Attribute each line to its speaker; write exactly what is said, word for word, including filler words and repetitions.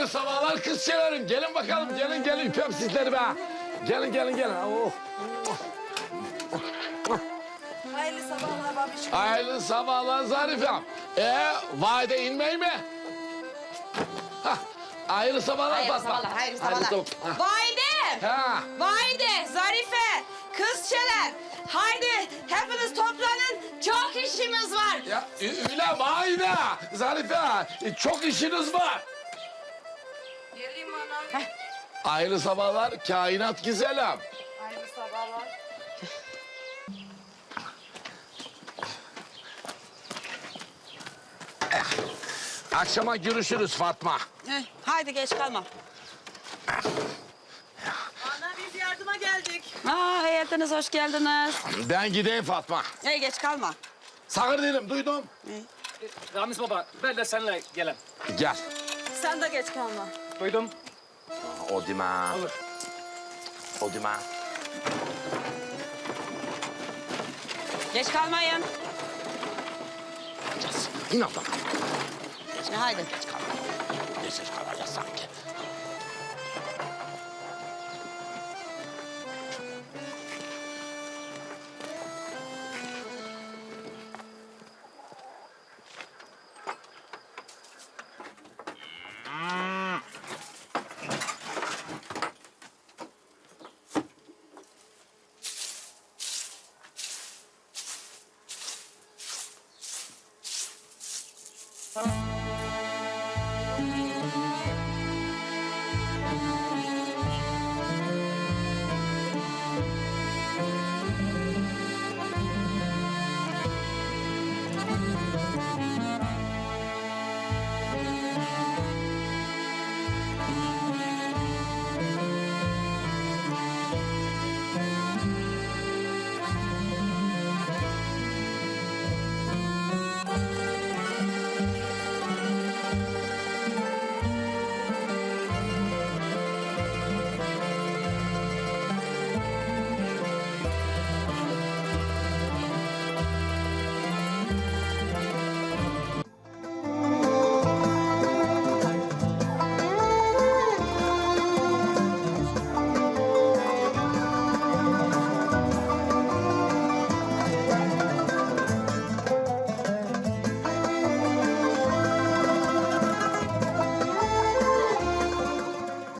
Speaker 1: Hayırlı sabahlar kızçelerim. Gelin bakalım, gelin gelin. Öpüyorum sizleri be. Gelin gelin gelin. Oh.
Speaker 2: Hayırlı sabahlar babişim.
Speaker 1: Hayırlı sabahlar Zarifem. Ee, vade inmeyi mi? Hah. Hayırlı sabahlar
Speaker 2: Hayırlı
Speaker 1: Fatma.
Speaker 2: sabahlar, hayırlı sabahlar.
Speaker 1: sabah-
Speaker 2: Valide!
Speaker 1: Ha.
Speaker 2: Valide, Zarife, kızçeler. Haydi hepiniz toplanın. Çok işimiz var.
Speaker 1: Ya Ü- öyle vayde. Zarife, e, çok işiniz var.
Speaker 2: Geleyim ana.
Speaker 1: Hayırlı sabahlar kainat güzelim.
Speaker 2: Hayırlı sabahlar.
Speaker 1: Akşama görüşürüz Fatma.
Speaker 2: Eh, haydi geç kalma.
Speaker 3: Ana biz yardıma geldik.
Speaker 2: Aa, hayatınız hoş geldiniz.
Speaker 1: Ben gideyim Fatma.
Speaker 2: Hey geç kalma.
Speaker 1: Sakır değilim, duydum.
Speaker 4: Ramiz baba, ben de seninle gelem.
Speaker 1: Gel.
Speaker 2: Sen de geç kalma.
Speaker 4: Duydum.
Speaker 1: O dime.
Speaker 4: Olur.
Speaker 1: O dime.
Speaker 2: Geç kalmayın.
Speaker 1: İn abla.
Speaker 2: Haydi.
Speaker 1: Geç kalacağız sanki.